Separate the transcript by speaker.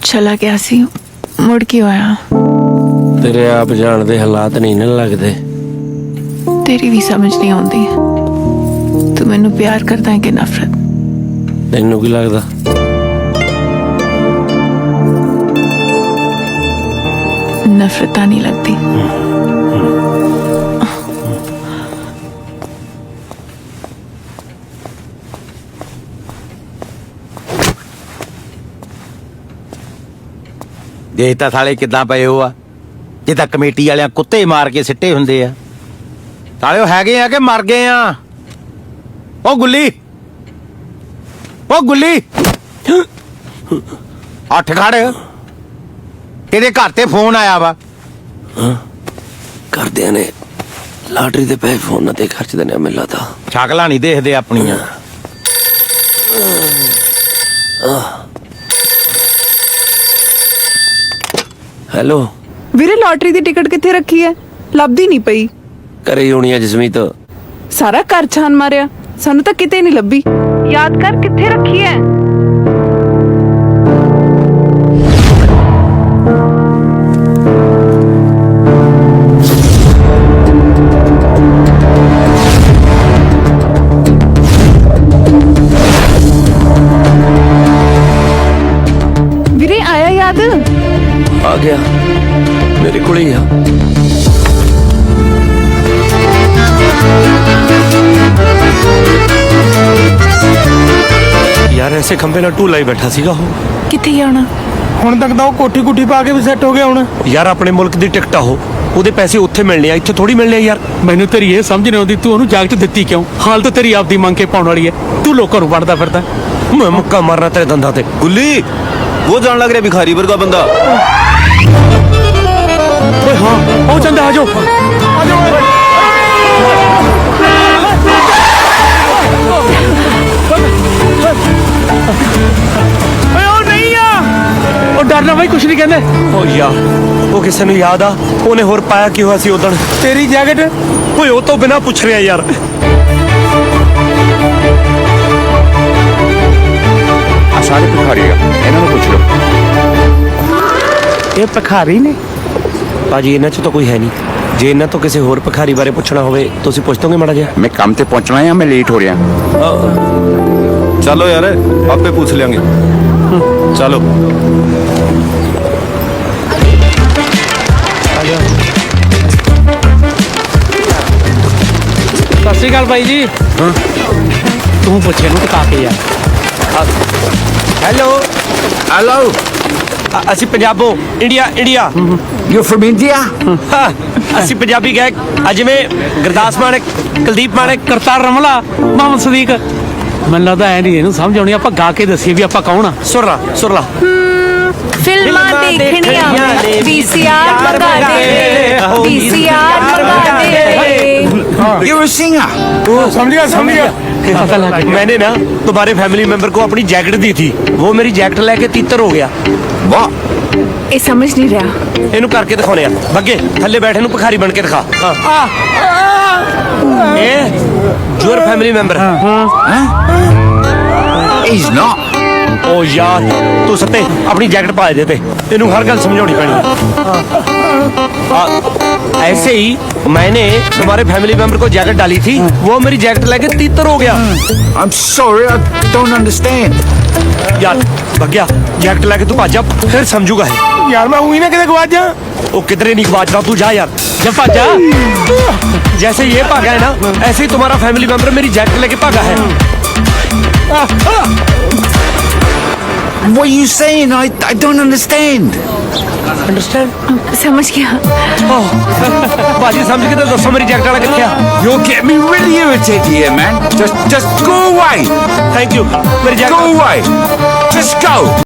Speaker 1: चला गया सी मुड़ क्यों आया?
Speaker 2: तेरे आप जान दे हालात नहीं न लगदे।
Speaker 1: तेरी भी समझ नहीं आती तू मैनू प्यार करता है कि नफरत?
Speaker 2: तैनू की लगदा?
Speaker 1: नफरत नहीं लगती।
Speaker 3: देख तां साले किदां पए हो आ जिद्दां कमेटी वालियां कुत्ते मार के सिੱਟੇ ਹੁੰਦੇ ਆ साले ਉਹ ਹੈਗੇ ਆ ਕਿ ਮਰ ਗਏ ਆ। ਉਹ ਗੁੱਲੀ ਅੱਠ ਖੜ ਤੇਰੇ ਘਰ ਤੇ ਫੋਨ ਆਇਆ ਵਾ।
Speaker 2: ਘਰਦਿਆਂ ਨੇ ਲਾਟਰੀ ਦੇ ਪੈਸੇ ਫੋਨਾਂ ਤੇ ਖਰਚ ਦੇਣੇ ਮਿਲਾ ਤਾਂ
Speaker 3: ਸ਼ਕਲਾਂ ਨਹੀਂ ਦੇਖਦੇ ਆਪਣੀਆਂ।
Speaker 2: ਹੈਲੋ
Speaker 4: ਵੀਰੇ ਲੋਟਰੀ ਦੀ ਟਿਕਟ ਕਿੱਥੇ ਰੱਖੀ ਹੈ? ਲੱਭਦੀ ਨਹੀਂ ਪਈ।
Speaker 2: ਘਰੇ ਹੀ ਹੋਣੀ ਆ ਜਸਮੀਤ।
Speaker 4: ਸਾਰਾ ਘਰ ਛਾਨ ਮਾਰਿਆ, ਸਾਨੂੰ ਤਾਂ ਕਿਤੇ ਨਹੀਂ ਲੱਭੀ। ਯਾਦ ਕਰ ਕਿੱਥੇ ਰੱਖੀ ਹੈ? ਵੀਰੇ ਆਇਆ ਯਾਦ?
Speaker 2: ਆ ਗਿਆ मेरे को ही आ। यार ऐसे खंबे ना टूला ही बैठा सीगा हो।
Speaker 1: किथे जाना?
Speaker 5: ਹੁਣ ਤੱਕ ਤਾਂ ਉਹ ਕੋਠੀ ਕੁੱਠੀ ਪਾ ਕੇ ਵੀ ਸੈੱਟ ਹੋ ਗਿਆ ਹੁਣ।
Speaker 2: ਯਾਰ ਆਪਣੇ ਮੁਲਕ ਦੀ ਟਿਕਟ ਆ ਉਹਦੇ ਪੈਸੇ ਉੱਥੇ ਮਿਲਣੇ ਆ, ਇੱਥੇ ਥੋੜੀ ਮਿਲਣੇ ਆ ਯਾਰ।
Speaker 5: ਮੈਨੂੰ ਤੇਰੀ ਇਹ ਸਮਝ ਨਹੀਂ ਆਉਂਦੀ ਤੂੰ ਉਹਨੂੰ ਜਾਗਟ ਦਿੱਤੀ ਕਿਉਂ? ਹਾਲ ਤਾਂ ਤੇਰੀ ਆਪਦੀ ਮੰਗ ਕੇ ਪਾਉਣ ਵਾਲੀ ਹੈ, ਤੂੰ ਲੋਕਾਂ ਨੂੰ ਵੜਦਾ ਫਿਰਦਾ।
Speaker 2: ਮੈਂ ਮੁੱਕਾ ਮਾਰਨਾ ਤੇਰੇ ਦੰਦਾਂ ਤੇ।
Speaker 6: गुल्ली वो जान लग रहा भिखारी वर्गा बंदा।
Speaker 5: ਓਏ ਹਾਂ ਉਹ ਚੰਦਾ ਆਜੋ ਓਏ ਉਹ ਨਹੀਂ ਆ। ਉਹ ਡਰਨਾ ਬਾਈ ਕੁਛ ਨਹੀਂ ਕਹਿੰਦੇ।
Speaker 2: ਓ ਯਾਰ ਉਹ ਕਿਸੇ ਨੂੰ ਯਾਦ ਆ ਉਹਨੇ ਹੋਰ ਪਾਇਆ ਕੀ ਹੋਇਆ ਸੀ ਉਦਣ?
Speaker 5: ਤੇਰੀ ਜੈਕਟ
Speaker 2: ਓਏ ਉਹ ਤੋਂ ਬਿਨਾਂ ਪੁੱਛ ਰਿਹਾ ਯਾਰ।
Speaker 6: सारे भिखारी इन्होंने पूछ लो।
Speaker 5: ਇਹ ਭਿਖਾਰੀ ਨੇ?
Speaker 2: ਭਾਜੀ ਇਹਨਾਂ 'ਚ ਤਾਂ ਕੋਈ ਹੈ ਨਹੀਂ। ਜੇ ਇਹਨਾਂ ਤੋਂ ਕਿਸੇ ਹੋਰ ਭਿਖਾਰੀ ਬਾਰੇ ਪੁੱਛਣਾ ਹੋਵੇ ਤੁਸੀਂ ਪੁੱਛ ਦੋਗੇ ਮਾੜਾ ਜਿਹਾ?
Speaker 6: मैं काम पे पहुंचना है, मैं लेट हो रहा। चलो यार आपे पूछ लेंगे। चलो
Speaker 5: ਸਤਿ ਸ਼੍ਰੀ ਅਕਾਲ ਬਾਈ ਜੀ। ਤੂੰ ਪੁੱਛੇ ਨੂੰ ਟਕਾ ਕੇ ਯਾਰ।
Speaker 2: ਹੈਲੋ
Speaker 6: हेलो
Speaker 2: ਅਸੀਂ ਪੰਜਾਬੋਂ ਇੰਡੀਆ।
Speaker 6: You from India?
Speaker 2: ਅਸੀਂ ਪੰਜਾਬੀ ਗਾਇਕ ਜਿਵੇਂ ਗੁਰਦਾਸ ਮਾਨਕ, ਕੁਲਦੀਪ ਮਾਨਕ,
Speaker 5: ਕਰਤਾਰ ਰਮਲਾ, ਮੁਹੰਮਦ ਸਦੀਕ। ਮੈਨੂੰ ਲੱਗਦਾ ਐ ਨਹੀਂ ਇਹਨੂੰ ਸਮਝ ਆਉਣੀ, ਆਪਾਂ ਗਾ ਕੇ ਦੱਸੀਏ ਵੀ ਆਪਾਂ ਕੌਣ ਆ।
Speaker 2: ਸੁਰ ਲਾ
Speaker 7: ਫਿਲਮਾਂ ਦੇਖਣੀਆਂ VCR ਮੰਗਾ ਦੇ VCR ਮੰਗਾ ਦੇ।
Speaker 6: You are singer?
Speaker 5: समझ गया पता लग गया।
Speaker 2: मैंने ना तुम्हारे फैमिली मेंबर को अपनी जैकेट दी थी, वो मेरी जैकेट लेके तीतर हो गया।
Speaker 6: वाह
Speaker 7: ਇਹ ਸਮਝ ਨਹੀਂ ਰਿਹਾ।
Speaker 2: ਇਹਨੂੰ ਕਰਕੇ ਦਿਖਾਉਣੇ ਆ। ਬੱਗੇ ਥੱਲੇ ਬੈਠੇ ਨੂੰ ਭਿਖਾਰੀ ਬਣ ਕੇ ਦਿਖਾ। ਇਹ your family member।
Speaker 6: He's not।
Speaker 2: ओ यार तू सत्ते अपनी जैकेट पा दे ते तेनू हर गल समझानी पैनी। ऐसे ही मैंने तुम्हारे फैमिली मेंबर को जैकेट डाली थी, वो मेरी जैकेट लेके तीतर हो गया।
Speaker 6: I'm sorry, I don't understand।
Speaker 2: यार भग्या जैकेट लेके तू भाजा फिर समझूगा है।
Speaker 5: यार मैं हुई ना किधर गवाच जा।
Speaker 2: वो किधरे नहीं गवाच रहा, तू जा यार जब भाजा। जैसे ये भागा है ना ऐसे ही तुम्हारा फैमिली मेंबर मेरी जैकेट लेके भागा है।
Speaker 6: What are you saying? I don't understand।
Speaker 2: Understand?
Speaker 7: समझ गया।
Speaker 2: भाजी समझ के तो दसो मेरी जैकेट वाला किथे आ?
Speaker 6: You're getting me really irritated here, man। Just go away।
Speaker 2: Thank you मेरी
Speaker 6: Go
Speaker 2: jacket
Speaker 6: away। Just go।